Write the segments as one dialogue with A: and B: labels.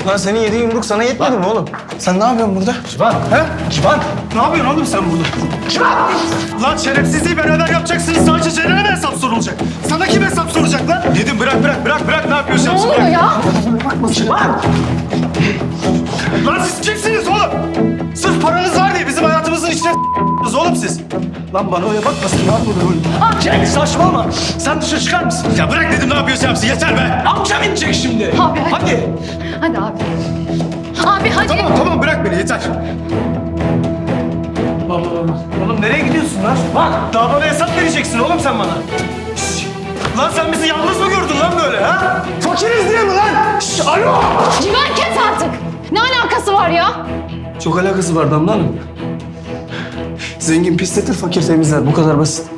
A: Lan senin yediğin yumruk sana yetmedi mi oğlum? Sen ne yapıyorsun burada? Civan. He? Civan. Ne yapıyorsun oğlum sen burada? Civan! Lan şerefsizliği beraber yapacaksınız. Sadece Ceren'e mi hesap sorulacak? Sana kim hesap soracak lan? Dedim bırak. Ne yapıyorsun?
B: Ne oluyor ya?
A: Bakma Civan! Lan siz kimsiniz oğlum? Sırf paranız var diye bizim hayatımızın içine s**tınız oğlum siz. Lan bana öyle bakmasın lan burada. Cenk saçmalama. Sen dışarı çıkar mısın? Ya bırak dedim ne yapıyorsun yapsın yeter be. Amcam inecek şimdi.
B: Abi hadi.
A: Hadi.
B: Hadi abi. Abi hadi.
A: Tamam bırak beni yeter. Oğlum nereye gidiyorsun lan? Bak daha bana hesap vereceksin oğlum sen bana. Şşş! Lan sen bizi yalnız mı gördün lan böyle ha? Fakiriz diye mi lan? Şşş, alo!
B: Civan kes artık. Ne alakası var ya?
A: Çok alakası var Damla Hanım. Zengin pisletir, fakir temizler. Bu kadar basit.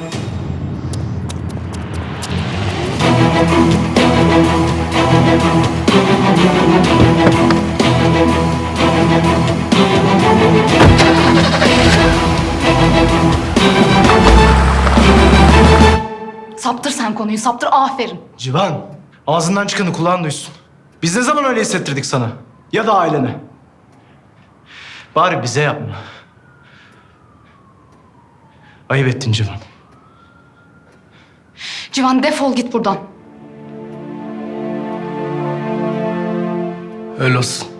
B: Saptır sen konuyu, saptır. Aferin.
C: Civan, ağzından çıkanı kulağın duysun. Biz ne zaman öyle hissettirdik sana? Ya da ailene? Bari bize yapma. Ayıp ettin Civan.
B: Civan defol git buradan.
C: Öyle olsun.